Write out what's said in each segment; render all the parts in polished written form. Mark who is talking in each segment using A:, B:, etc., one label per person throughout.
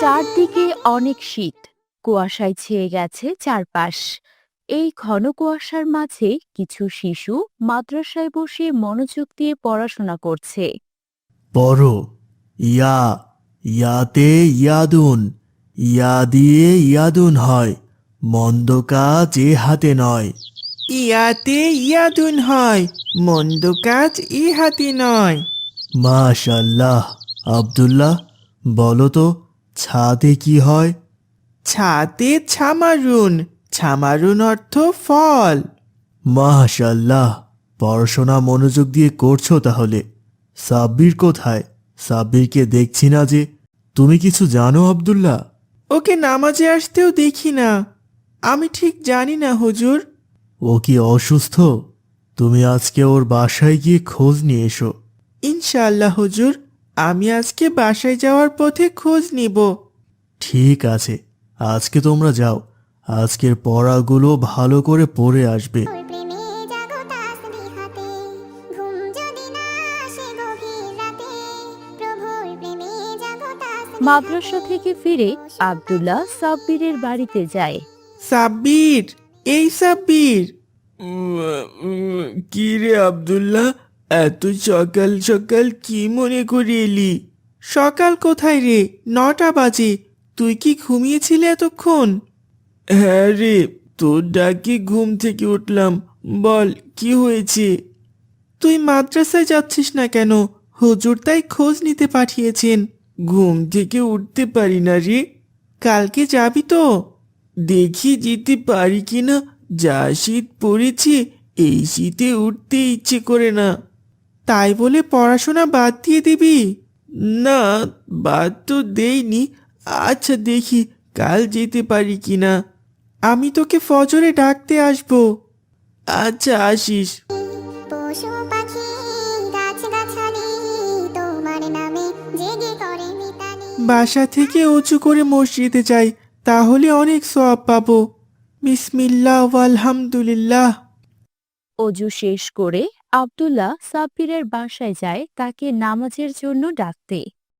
A: চারদিকে অনেক শীত, কুয়াশায় ছেয়ে গেছে চারপাশ। এই ঘন কুয়াশার মাঝে কিছু শিশু মাদ্রাসায় বসে মনোযোগ দিয়ে পড়াশোনা করছে।
B: পড়ো। ইয়া, ইয়াতে ইয়াদুন, ইয়া দিয়ে ইয়াদুন হয়, মন্দ কাজ এ হাতে নয়।
C: ইয়াতে ইয়াদুন হয়, মন্দ কাজ ইহাতে নয়।
B: মাশাল্লাহ। আব্দুল্লাহ, বলো তো, ছাদে কি হয়?
C: ছাতে ছামারুন, ছামারুন অর্থ ফল।
B: মাশাল্লাহ, পড়াশোনা মনোযোগ দিয়ে করছো তাহলে। সাব্বির কোথায়? সাব্বিরকে দেখছি না যে। তুমি কিছু জানো আব্দুল্লাহ?
C: ওকে নামাজে আসতেও দেখি না। আমি ঠিক জানি না হুজুর।
B: ও কি অসুস্থ? তুমি আজকে ওর বাসায় গিয়ে খোঁজ নিয়ে এসো।
C: ইনশাআল্লাহ হুজুর, আমি আজকে বাসায় যাওয়ার পথে খোঁজ নিব।
B: ঠিক আছে, আজকে তোমরা যাও। আজকের পড়াগুলো ভালো করে পড়ে আসবে।
D: প্রেমে জাগো তাসবিহাতে, ঘুম যদি না আসে গভীর রাতে, প্রভুর প্রেমে জাগো তাসবিহাতে।
A: মাদ্রাসা থেকে ফিরে আব্দুল্লাহ সাব্বিরের বাড়িতে যায়।
C: সাব্বির, এই সাব্বির। কি রে আব্দুল্লাহ, এত সকাল সকাল কি মনে করে এলি? সকাল কোথায় রে, 9টা বাজে। তুই কি ঘুমিয়েছিলি এতক্ষণ? হ্যাঁ রে, তোর ডাকে ঘুম থেকে উঠলাম। বল, কি হয়েছে? তুই মাদ্রাসায় যাচ্ছিস না কেন? হুজুর তাই খোঁজ নিতে পাঠিয়েছেন। ঘুম থেকে উঠতে পারি না রে। কালকে যাবি তো? দেখি যেতে পারি কিনা। যা শীত পড়েছে, এই শীতে উঠতে ইচ্ছে করে না। তাই বলে পড়াশোনা বাদ দিয়ে দিবি? না, বাদ তো দেইনি। আচ্ছা দেখি কাল যেতে পারি কিনা। আমি তোকে ফজরে ডাকতে আসবো। আচ্ছা, আসিস।
D: পশু পাখি গাছগাছালি তোমার নামে জেগে করে মিতালি।
C: বাসা থেকে উঁচু করে মসজিদে যাই, তাহলে অনেক সওয়াব পাবো। বিসমিল্লাহ আলহামদুলিল্লাহ।
A: অজু শেষ করে আব্দুল্লাহ সাব্বিরের বাসায় যায় তাকে নামাজের জন্য ডাকতে।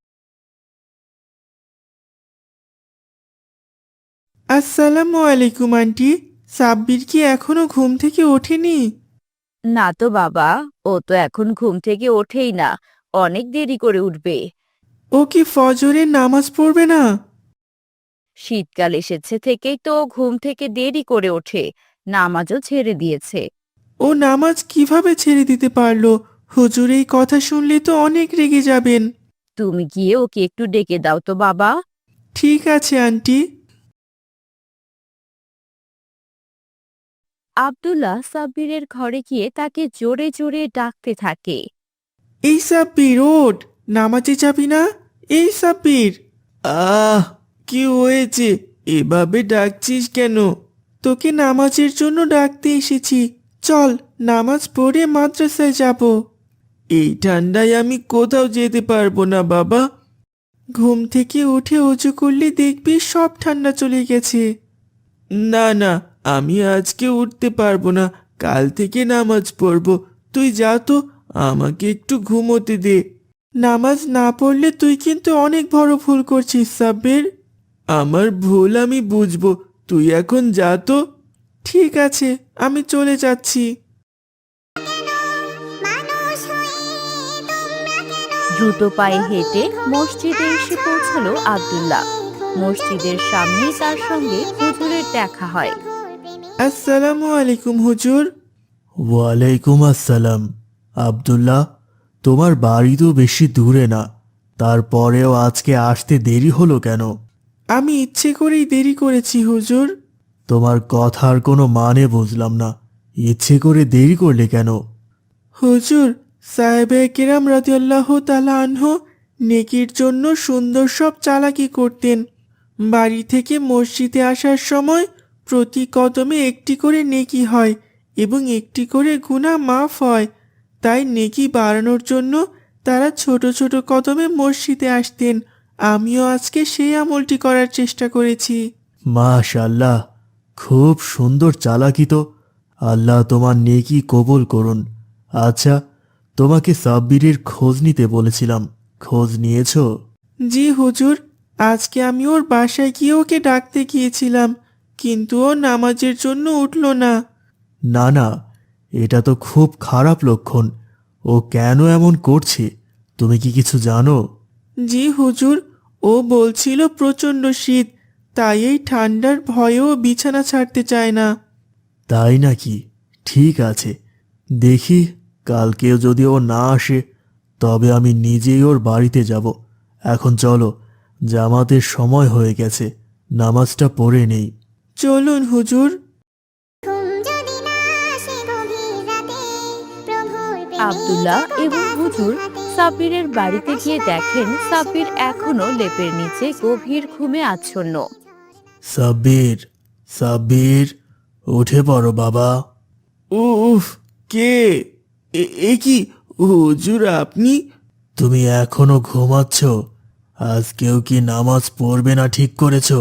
C: আসসালামু আলাইকুম আন্টি। সাব্বির কি এখনো ঘুম থেকে ওঠেনি?
A: না তো বাবা, ও তো এখন ঘুম থেকে ওঠেই না, অনেক দেরি করে উঠবে।
C: ও কি ফজরের নামাজ পড়বে না?
A: শীতকাল এসেছে থেকেই তো ও ঘুম থেকে দেরি করে ওঠে, নামাজও ছেড়ে দিয়েছে।
C: ও নামাজ কিভাবে ছেড়ে দিতে পারলো? হুজুর এই কথা শুনলে তো অনেক রেগে যাবেন।
A: তুমি গিয়ে ওকে একটু ডেকে দাও তো বাবা।
C: ঠিক আছে আন্টি।
A: আব্দুল্লাহ সাব্বিরের ঘরে গিয়ে তাকে জোরে জোরে ডাকতে থাকে।
C: এই সাব্বির ওঠ, নামাজে যাবি না? এই সাব্বির। আহ, কি হয়েছে? এভাবে ডাকছিস কেন? তোকে নামাজের জন্য ডাকতে এসেছি। চল, নামাজ পড়ে মাদ্রাসায় যাব। এই ঠান্ডায় আমি কোথাও যেতে পারবো না বাবা। ঘুম থেকে উঠে অজু করলে দেখবি সব ঠান্ডা চলে গেছে। না না, আমি আজকে উঠতে পারবো না। কাল থেকে নামাজ পড়বো। তুই যা তো, আমাকে একটু ঘুমোতে দে। নামাজ না পড়লে তুই কিন্তু অনেক বড় ভুল করছিস সাব্বির। আমার ভুল আমি বুঝবো। তুই এখন যা তো। ঠিক আছে, আমি চলে যাচ্ছি।
D: মানুষ হয়ে তোমরা কেন
A: দ্রুত পায়ে হেঁটে মসজিদে এসে পৌঁছালো আব্দুল্লাহ। মসজিদের সামনেই তার সঙ্গে হুজুরের দেখা হয়।
C: আসসালামু আলাইকুম হুজুর।
B: ওয়ালাইকুম আসসালাম। আব্দুল্লাহ, তোমার বাড়ি তো বেশি দূরে না, তারপরেও আজকে আসতে দেরি হলো কেন?
C: আমি ইচ্ছে করেই দেরি করেছি হুজুর।
B: তোমার কথার কোনো মানে বুঝলাম না। ইচ্ছে করে দেরি করলে কেন?
C: হুজুর, সাহেবে কেরাম রাদিয়াল্লাহু তাআলা আনহু নেকির জন্য সুন্দর সব চালাকি করতেন। বাড়ি থেকে মসজিদে আসার সময় প্রতি কদমে একটি করে নেকি হয় এবং একটি করে গুনাহ মাফ হয়। তাই নেকি বাড়ানোর জন্য তারা ছোট ছোট কদমে মসজিদে আসতেন। আমিও আজকে সেই আমলটি করার চেষ্টা করেছি।
B: মাশাআল্লাহ, খুব সুন্দর চালাকি তো। আল্লাহ তোমার নেকি কবুল করুন। আচ্ছা, তোমাকে সাব্বিরের খোঁজ নিতে বলেছিলাম, খোঁজ নিয়েছো?
C: জি হুজুর, আজকে আমি ওর বাসায় গিয়ে ওকে ডাকতে গিয়েছিলাম, কিন্তু ও নামাজের জন্য উঠলো না।
B: না না, এটা তো খুব খারাপ লক্ষণ। ও কেন এমন করছে তুমি কি কিছু জানো?
C: জি হুজুর, ও বলছিল প্রচণ্ড শীত, তাই এই ঠান্ডার ভয়েও বিছানা ছাড়তে চায় না।
B: তাই নাকি? ঠিক আছে, দেখি কালকেও যদি ও না আসে তবে আমি নিজেই ওর বাড়িতে যাব। এখন চলো, জামাতের সময় হয়ে গেছে, নামাজটা পড়ে নেই।
C: চলুন হুজুর।
D: ঘুম যদি না আসে গভীর রাতে, প্রভুর প্রেমে
A: আব্দুল্লাহ
D: জাগো
A: এবং হুজুর সাব্বিরের বাড়িতে গিয়ে দেখেন সাব্বির এখনো লেপের নিচে গভীর ঘুমে আচ্ছন্ন।
B: সাব্বির, সাব্বির, উঠে পড়ো বাবা।
C: উফ, কে? এ কি হুজুর, আপনি?
B: তুমি এখনো ঘুমাচ্ছ? আজকেও কি নামাজ পড়বে না ঠিক করেছো?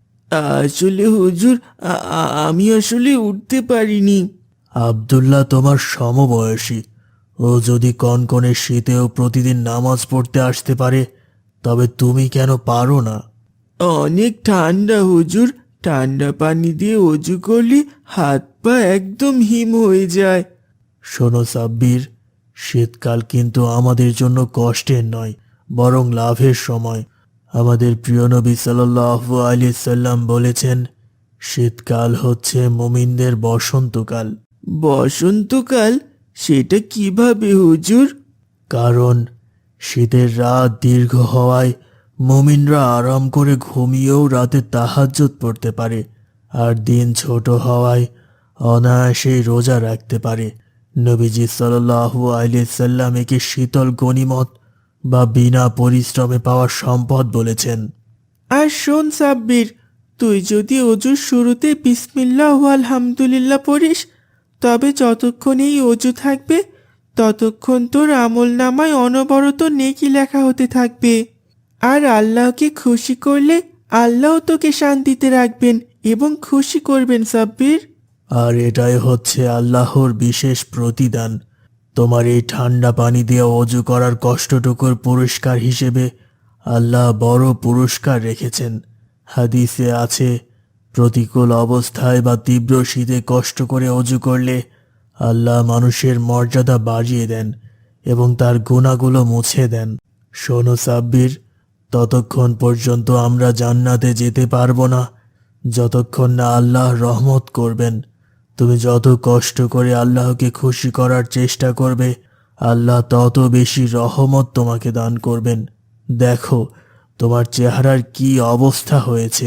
C: আসলে হুজুর, আমি আসলে উঠতে পারিনি।
B: আব্দুল্লাহ তোমার সমবয়সী। ও যদি কনকনে শীতেও প্রতিদিন নামাজ পড়তে আসতে পারে, তবে তুমি কেন পারো না?
C: অনেক ঠান্ডা হুজুর, ঠান্ডা পানি দিয়ে অজু করলে হাত পা একদম হিম হয়ে যায়।
B: শোনো সাব্বির, শীতকাল কিন্তু আমাদের জন্য কষ্টের নয়, বরং লাভের সময়। আমাদের প্রিয় নবী সাল্লাল্লাহু আলাইহি সাল্লাম বলেছেন, শীতকাল হচ্ছে মুমিনদের বসন্তকাল।
C: বসন্তকাল? সেটা কিভাবে হুজুর?
B: কারণ শীতের রাত দীর্ঘ হওয়ায় মুমিনরা আরাম করে ঘুমিয়েও রাতে তাহাজ্জুদ পড়তে পারে, আর দিন ছোট হওয়ায় অনায়াসেই রোজা রাখতে পারে। নবীজি সাল্লাল্লাহু আলাইহি সাল্লাম একে শীতল গনিমত বা বিনা পরিশ্রমে পাওয়া সম্পদ বলেছেন।
C: আর শোন সাব্বির, তুই যদি অজুর শুরুতে বিসমিল্লাহ আলহামদুলিল্লাহ পড়িস, তবে যতক্ষণ এই অজু থাকবে ততক্ষণ তোর আমল নামায় অনবরত নেকি লেখা হতে থাকবে। আর আল্লাহকে খুশি করলে আল্লাহ তোকে শান্তিতে রাখবেন এবং খুশি করবেন সাব্বির।
B: আর এটাই হচ্ছে আল্লাহর বিশেষ প্রতিদান। তোমার এই ঠান্ডা পানি দিয়ে অজু করার কষ্টটুকুর পুরস্কার হিসেবে আল্লাহ বড় পুরস্কার রেখেছেন। হাদিসে আছে, প্রতিকূল অবস্থায় বা তীব্র শীতে কষ্ট করে অজু করলে আল্লাহ মানুষের মর্যাদা বাড়িয়ে দেন এবং তার গুনাহগুলো মুছে দেন। শোনো সাব্বির, ততক্ষণ পর্যন্ত আমরা জান্নাতে যেতে পারবো না যতক্ষণ না আল্লাহ রহমত করবেন। তুমি যত কষ্ট করে আল্লাহকে খুশি করার চেষ্টা করবে, আল্লাহ তত বেশি রহমত তোমাকে দান করবেন। দেখো তোমার চেহারার কি অবস্থা হয়েছে।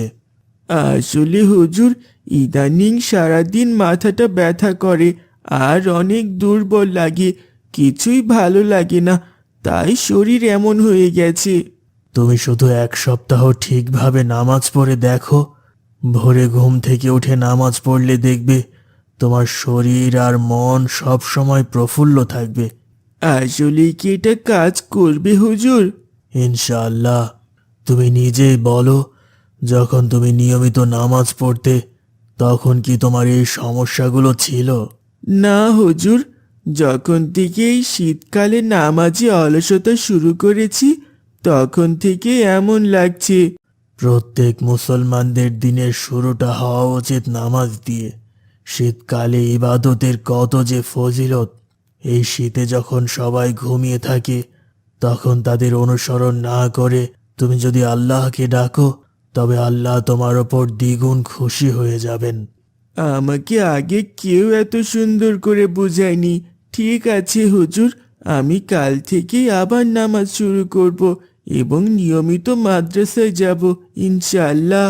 C: আসলে হুজুর, ইদানিং সারাদিন মাথাটা ব্যথা করে আর অনেক দুর্বল লাগে, কিছুই ভালো লাগে না, তাই শরীর এমন হয়ে গেছে।
B: তুমি শুধু এক সপ্তাহ ঠিকভাবে নামাজ পড়ে দেখো, ভোরে ঘুম থেকে উঠে নামাজ পড়লে দেখবে তোমার শরীর আর মন সব সময় প্রফুল্ল থাকবে।
C: আসলে কি এটা কাজ করবে হুজুর?
B: ইনশাআল্লাহ। তুমি নিজেই বলো, যখন তুমি নিয়মিত নামাজ পড়তে তখন কি তোমার এই সমস্যাগুলো ছিল?
C: না হুজুর, যখন থেকে এই শীতকালে নামাজে অলসতা শুরু করেছি তখন থেকে এমন লাগছে।
B: প্রত্যেক মুসলমানদের দিনের শুরুটা হওয়া উচিত নামাজ দিয়ে। শীতকালে ইবাদতের কত যে ফজিলত! এই শীতে যখন সবাই ঘুমিয়ে থাকে তখন তাদের অনুসরণ না করে তুমি যদি আল্লাহকে ডাকো, তবে আল্লাহ তোমার ওপর দ্বিগুণ খুশি হয়ে যাবেন।
C: আমাকে আগে কেউ এত সুন্দর করে বুঝায়নি। ঠিক আছে হুজুর, আমি কাল থেকে আবার নামাজ শুরু করব এবং নিয়মিত মাদ্রাসায় যাব ইনশাআল্লাহ।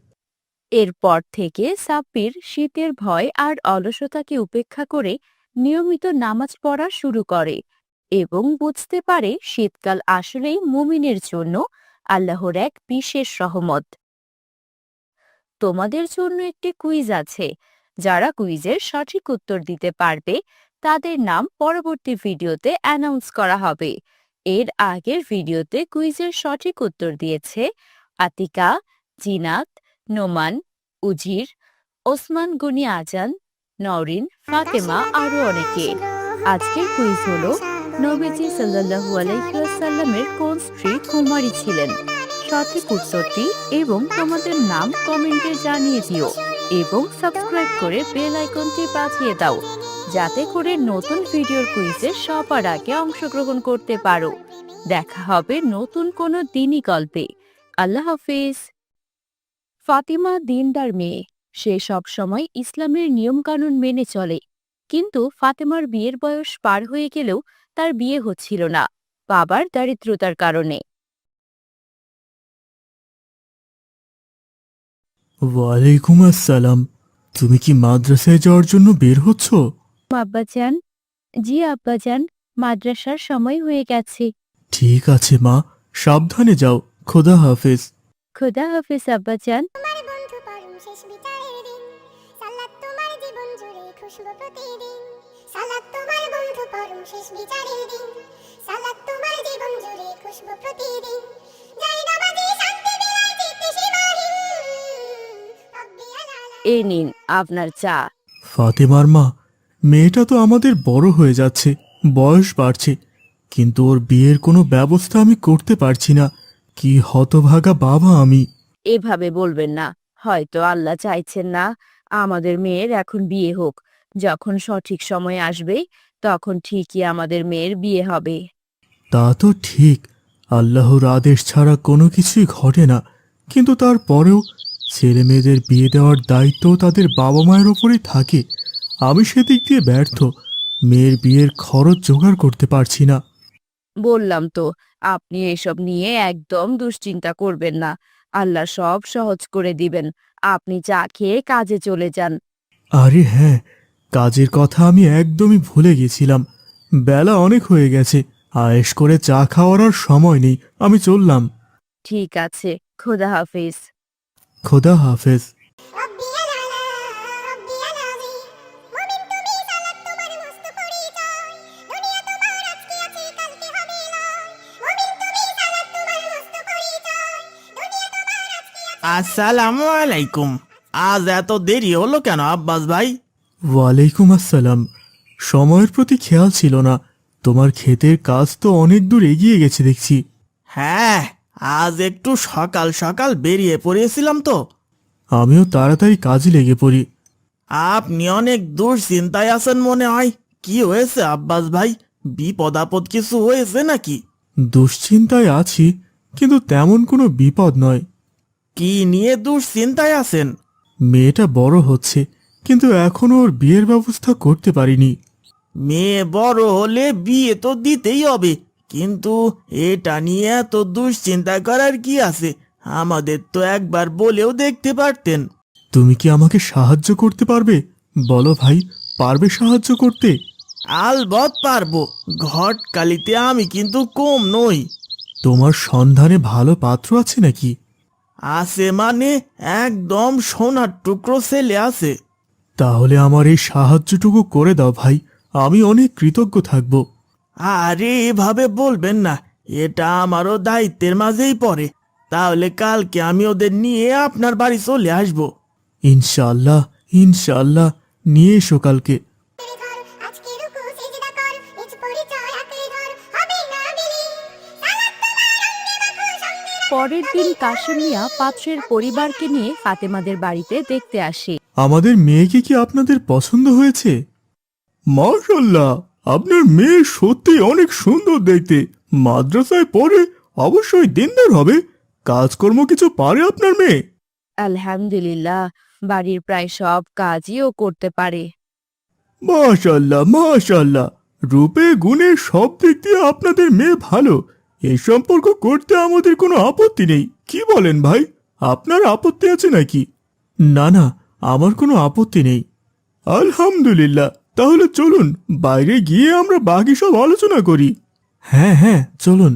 A: এরপর থেকে সাব্বির শীতের ভয় আর অলসতাকে উপেক্ষা করে নিয়মিত নামাজ পড়া শুরু করে এবং বুঝতে পারে শীতকাল আসলেই মুমিনের জন্য আল্লাহর এক বিশেষ রহমত। তোমাদের জন্য একটি কুইজ আছে। যারা কুইজের সঠিক উত্তর দিতে পারবে তাদের নাম পরবর্তী ভিডিওতে অ্যানাউন্স করা হবে। এর আগের ভিডিওতে কুইজের সঠিক উত্তর দিয়েছে আতিকা, জিনাত, নোমান, উজির, ওসমান গনি আজান, নওরিন, ফাতেমা আরো অনেকে। আজকের কুইজ হলো, নবীজি সাল্লাল্লাহু আলাইহি ওয়াসাল্লামের কোন স্ত্রী কুমারী ছিলেন? সঠিক উত্তরটি এবং তোমাদের নাম কমেন্টে জানিয়ে দিও এবং সাবস্ক্রাইব করে বেল আইকনটি বাজিয়ে দাও যাতে করে নতুন ভিডিওর কুইজে সবার আগে অংশগ্রহণ করতে পারো। দেখা হবে নতুন কোনো দিনই গল্পে। আল্লাহ হাফিজ। ফাতিমা দিনদার মেয়ে, সে সব সময় ইসলামের নিয়মকানুন মেনে চলে, কিন্তু ফাতেমার বিয়ের বয়স পার হয়ে গেলেও তার বিয়ে হচ্ছিল না বাবার দারিদ্রতার কারণে।
B: ওয়ালাইকুম আসসালাম। তুমি কি মাদ্রাসায় যাওয়ার জন্য বের হচ্ছ?
A: আব্বাজান, জি আব্বাজান, মাদ্রাসার সময় হয়ে গেছে।
B: ঠিক আছে মা, সাবধানে যাও। খোদা হাফেজ।
A: খোদা হাফিজ আব্বাজান।
D: তোমার বন্ধু পরম শেষ বিচারের দিন সালাত তোমার জীবন জুড়ে খুশবু প্রতিদিন সালাত তোমার বন্ধু পরম শেষ বিচারের দিন সালাত তোমার জীবন জুড়ে খুশবু প্রতিদিন যাই নামাজি শান্তি বিলায় চিত্তে সীমাহীন রব্বিয়াল আলা।
A: এ নিন আপনার চা।
B: ফাতেমার মা, মেয়েটা তো আমাদের বড় হয়ে যাচ্ছে, বয়স বাড়ছে, কিন্তু ওর বিয়ের কোনো ব্যবস্থা আমি করতে পারছি না। কি হতভাগা বাবা আমি।
A: এভাবে বলবেন না, হয়তো আল্লাহ চাইছেন না আমাদের মেয়ের এখন বিয়ে হোক। যখন সঠিক সময় আসবে তখন ঠিকই আমাদের মেয়ের বিয়ে হবে।
B: তা তো ঠিক, আল্লাহর আদেশ ছাড়া কোনো কিছুই ঘটে না, কিন্তু তারপরেও ছেলে মেয়েদের বিয়ে দেওয়ার দায়িত্ব তাদের বাবা মায়ের ওপরেই থাকে। আমি সেদিক দিয়ে ব্যর্থ, মেয়ের বিয়ের খরচ জোগাড় করতে পারছি না।
A: বললাম তো, আপনি এসব নিয়ে একদম দুশ্চিন্তা করবেন না, আল্লাহ সব সহজ করে দিবেন। আপনি চা খেয়ে কাজে চলে যান।
B: আরে হ্যাঁ, কাজের কথা আমি একদমই ভুলে গেছিলাম। বেলা অনেক হয়ে গেছে, আয়েশ করে চা খাওয়ার আর সময় নেই। আমি চললাম।
A: ঠিক আছে, খোদা হাফিজ।
B: খোদা হাফেজ।
D: রব্বিয়াল আলা রব্বিয়াল আযীম মুমিন তুমি সালাত তোমার মস্ত পরিচয় দুনিয়া তোমার আজকে আছে কালকে হবে লয় মুমিন তুমি সালাত তোমার মস্ত পরিচয় দুনিয়া তোমার আজকে আছে।
C: আসসালামু আলাইকুম। আজ এত দেরি হলো কেন আব্বাস ভাই?
B: ওয়ালাইকুম আসসালাম। সময়ের প্রতি খেয়াল ছিল না। তোমার ক্ষেতের কাজ তো অনেক দূর এগিয়ে গেছে দেখছি।
C: হ্যাঁ, আজ একটু সকাল সকাল বেরিয়ে পড়েছিলাম তো।
B: আমিও তাড়াতাড়ি কাজে লেগে পড়ি।
C: আপনি অনেক দুশ্চিন্তায় আছেন মনে হয়। কি হয়েছে আব্বাস ভাই? বিপদ আপদ কিছু হয়েছে নাকি?
B: দুশ্চিন্তায় আছি, কিন্তু তেমন কোনো বিপদ নয়।
C: কি নিয়ে দুশ্চিন্তায় আছেন?
B: মেয়েটা বড় হচ্ছে, কিন্তু এখনো ওর বিয়ের ব্যবস্থা করতে পারিনি।
C: মেয়ে বড় হলে বিয়ে তো দিতেই হবে, কিন্তু এটা নিয়ে এত দুশ্চিন্তা করার কি আছে? আমাদের তো একবার বলেও দেখতে পারতেন।
B: তুমি কি আমাকে সাহায্য করতে পারবে? বলো ভাই, পারবে সাহায্য করতে?
C: আলবৎ পারবো, ঘটকালিতে আমি কিন্তু কম নই।
B: তোমার সন্ধানে ভালো পাত্র আছে নাকি?
C: আছে মানে একদম সোনার টুকরো ছেলে আছে।
B: তাহলে আমার এই সাহায্যটুকু করে দাও ভাই, আমি অনেক কৃতজ্ঞ থাকব।
C: আরে এভাবে বলবেন না, এটা আমারও দায়িত্বের মাঝেই পড়ে। তাহলে কালকে আমি ওদের নিয়ে আপনার বাড়ি চলে আসবো।
B: ইনশাআল্লাহ, ইনশাআল্লাহ, নিয়ে এসো কালকে।
D: ধর আজকে রুকু সিজদা কর নিজ পরিচয় আঁকড়ে ধর হবে না বিলীন সালাত তোমার অঙ্গে মাখো সঙ্গে
A: পরের দিন কাশেম মিয়া পাত্রের পরিবারকে নিয়ে ফাতেমাদের বাড়িতে দেখতে আসে।
B: আমাদের মেয়েকে কি আপনাদের পছন্দ হয়েছে? মাশাআল্লাহ, আপনার মেয়ে সত্যি অনেক সুন্দর দেখতে। মাদ্রাসায় পড়ে, অবশ্যই দিনদার হবে। কাজকর্ম কিছু পারে আপনার মেয়ে?
A: আলহামদুলিল্লাহ, বাড়ির প্রায় সব কাজই ও করতে পারে।
B: মাশাআল্লাহ, মাশাআল্লাহ, রূপে গুণে সব দিক দিয়ে আপনাদের মেয়ে ভালো। এই সম্পর্ক করতে আমাদের কোনো আপত্তি নেই। কি বলেন ভাই, আপনার আপত্তি আছে নাকি? না না, আমার কোনো আপত্তি নেই। আলহামদুলিল্লাহ, তাহলে চলুন বাইরে গিয়ে আমরা বাকি সব আলোচনা করি। হ্যাঁ হ্যাঁ, চলুন।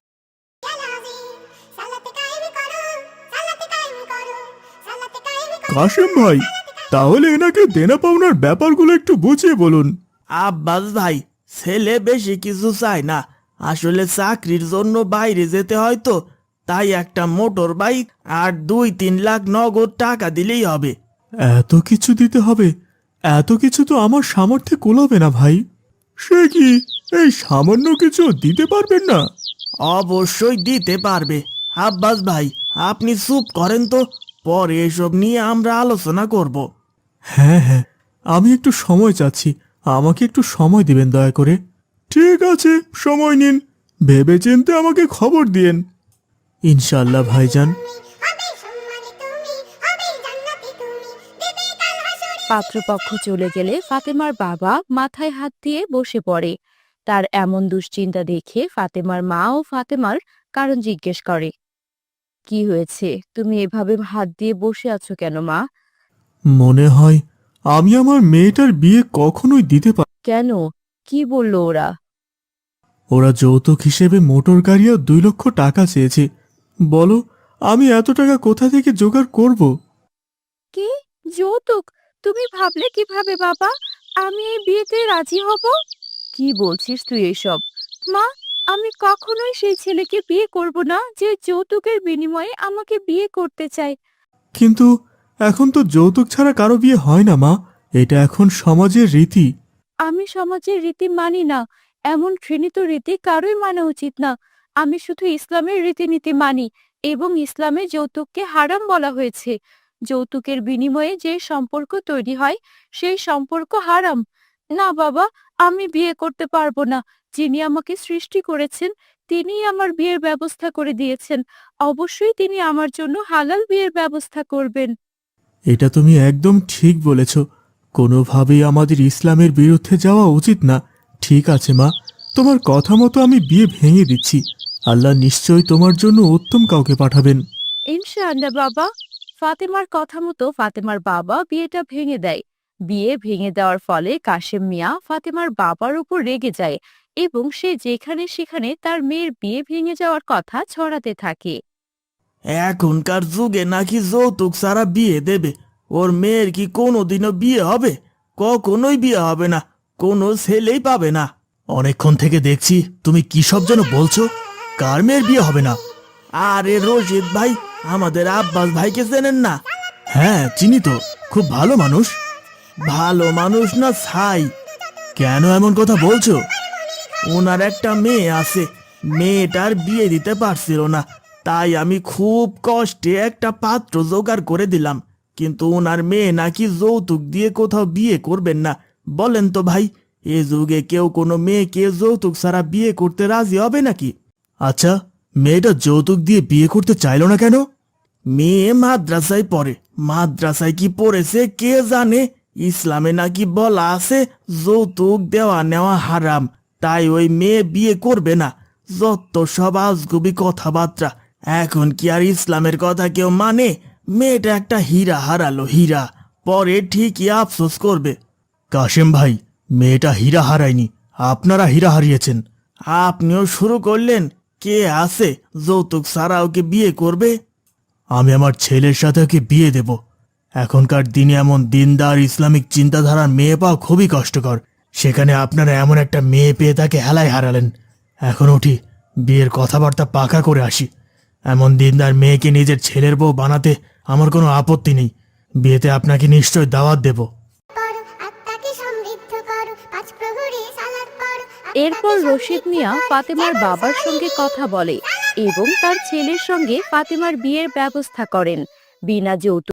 D: সালাতে কায়েম করো সালাতে কায়েম করো সালাতে কায়েম করো।
B: কাশেম ভাই, তাহলে এনাকে দেনা পাওনার ব্যাপারগুলো একটু বুঝিয়ে বলুন।
C: আব্বাস ভাই, ছেলে বেশি কিছু চায় না। আসলে চাকরির জন্য বাইরে যেতে হয় তো, তাই একটা মোটর বাইক আর 2-3 লাখ নগদ টাকা দিলেই হবে।
B: এত কিছু দিতে হবে? এত কিছু তো আমার সামর্থ্যে কুলাবে না ভাই। সে কি, এই সামান্য কিছু দিতে পারবেন না?
C: অবশ্যই দিতে পারবে।
B: আব্বাস ভাই, আপনি চুপ করেন তো, পরে এসব নিয়ে আমরা আলোচনা করব।
C: হ্যাঁ হ্যাঁ, আমি একটু সময় চাচ্ছি, আমাকে একটু সময় দিবেন দয়া করে। ঠিক আছে, সময় নিন, ভেবেচিন্তে আমাকে খবর দিয়েন। ইনশাআল্লাহ ভাইজান।
D: হবে সম্মানী তুমি, হবে জান্নাতি তুমি, দেবে কাল হাসরে।
A: পাত্রপক্ষ চলে গেলে ফাতেমার বাবা মাথায় হাত দিয়ে বসে পড়ে। তার এমন দুশ্চিন্তা দেখে ফাতেমার মা ও ফাতেমার কারণ জিজ্ঞেস করে। কি হয়েছে, তুমি এভাবে হাত দিয়ে বসে আছো কেন মা?
C: মনে হয় আমি আমার মেয়েটার বিয়ে কখনোই দিতে পারি।
A: কেন, কি বললো ওরা?
C: ওরা যৌতুক হিসেবে মোটর গাড়ি আর 2 লক্ষ টাকা চেয়েছে। বলো, আমি এত টাকা কোথা থেকে জোগাড় করব?
A: কি যৌতুক? তুমি ভাবলে কিভাবে বাবা আমি এই বিয়েতে রাজি হব? কি বলছিস তুই এসব? মা, আমি কখনোই সেই ছেলেকে বিয়ে করব না যে যৌতুকের বিনিময়ে আমাকে বিয়ে করতে চায়।
C: কিন্তু এখন তো যৌতুক ছাড়া কারো বিয়ে হয় না মা, এটা এখন সমাজের রীতি।
A: আমি সমাজের রীতি মানি না, এমন ঘৃণিত রীতি কারোই মানা উচিত না। আমি শুধু ইসলামের রীতিনীতি মানি এবং ইসলামে যৌতুককে হারাম বলা হয়েছে। যৌতুকের বিনিময়ে যে সম্পর্ক তৈরি হয় সেই সম্পর্ক হারাম। না বাবা, আমি বিয়ে করতে পারবো না। যিনি আমাকে সৃষ্টি করেছেন তিনিই আমার বিয়ের ব্যবস্থা করে দিয়েছেন। অবশ্যই তিনি আমার জন্য হালাল বিয়ের ব্যবস্থা করবেন।
C: এটা তুমি একদম ঠিক বলেছ, কোনোভাবেই আমাদের ইসলামের বিরুদ্ধে যাওয়া উচিত না। ঠিক আছে মা, তোমার কথা মতো আমি বিয়ে ভেঙে দিচ্ছি। আল্লাহ নিশ্চয়ই তোমার জন্য উত্তম কাউকে পাঠাবেন।
A: ইনশাআল্লাহ বাবা। ফাতেমার কথা মতো ফাতেমার বাবা বিয়েটা ভেঙে দেয়। বিয়ে ভেঙে দেওয়ার ফলে কাশেম মিয়া ফাতেমার বাবার উপর রেগে যায় এবং সে যেখানে সেখানে তার মেয়ের বিয়ে ভেঙে যাওয়ার কথা ছড়াতে থাকে।
B: এখনকার যুগে নাকি যৌতুক ছাড়া বিয়ে দেবে? ওর মেয়ের কি কোনোদিনও বিয়ে হবে? কখনোই বিয়ে হবে না, কোনো ছেলেই পাবে না। অনেকক্ষণ থেকে দেখছি তুমি কি সব যেন বলছো। কার মেয়ের বিয়ে হবে না? আরে রশিদ ভাই, আমাদের আব্বাস ভাইকে চেনেন না? হ্যাঁ চিনি তো, খুব ভালো মানুষ। ভালো মানুষ না ছাই? কেন এমন কথা বলছো? ওনার একটা মেয়ে আছে, মেয়েটার বিয়ে দিতে পারছিল না, তাই আমি খুব কষ্টে একটা পাত্র জোগাড় করে দিলাম। কিন্তু ওনার মেয়ে নাকি যৌতুক দিয়ে কোথাও বিয়ে করবেন না। বলেন তো ভাই, এ যুগে কেউ কোনো মেয়েকে যৌতুক ছাড়া বিয়ে করতে রাজি হবে নাকি? আচ্ছা, মেয়েটা যৌতুক দিয়ে বিয়ে করতে চাইলো না কেন? মেয়ে মাদ্রাসায় পড়ে, মাদ্রাসায় কি পড়েছে কে জানে। ইসলামে নাকি বলা আছে যৌতুক দেওয়া নেওয়া হারাম, তাই ওই মেয়ে বিয়ে করবে না। যত সব আজগুবি কথাবার্তা, এখন কি আর ইসলামের কথা কেউ মানে? মেয়েটা একটা হীরা হারালো, হীরা, পরে ঠিকই আফসোস করবে। কাশেম ভাই, মেয়েটা হীরা হারায়নি, আপনারা হীরা হারিয়েছেন। আপনিও শুরু করলেন? কে আছে যৌতুক ছাড়া ওকে বিয়ে করবে? আমি আমার ছেলের সাথে ওকে বিয়ে দেব। এখনকার দিনে এমন দিনদার ইসলামিক চিন্তাধারার মেয়ে পাওয়া খুবই কষ্টকর, সেখানে আপনারা এমন একটা মেয়ে পেয়ে তাকে হেলায় হারালেন। এখন উঠি, বিয়ের কথাবার্তা পাকা করে আসি। এমন দিনদার মেয়েকে নিজের ছেলের বউ বানাতে আমার কোনো আপত্তি নেই। বিয়েতে আপনাকে নিশ্চয় দাওয়াত দেব।
D: পড়ো, আত্মাকে সমৃদ্ধ করো, 5 প্রহরে সালাত পড়ো।
A: এরপর রশিদ মিয়া ফাতেমার বাবার সঙ্গে কথা বলে এবং তার ছেলের সঙ্গে ফাতেমার বিয়ের ব্যবস্থা করেন। বিনা যৌতুক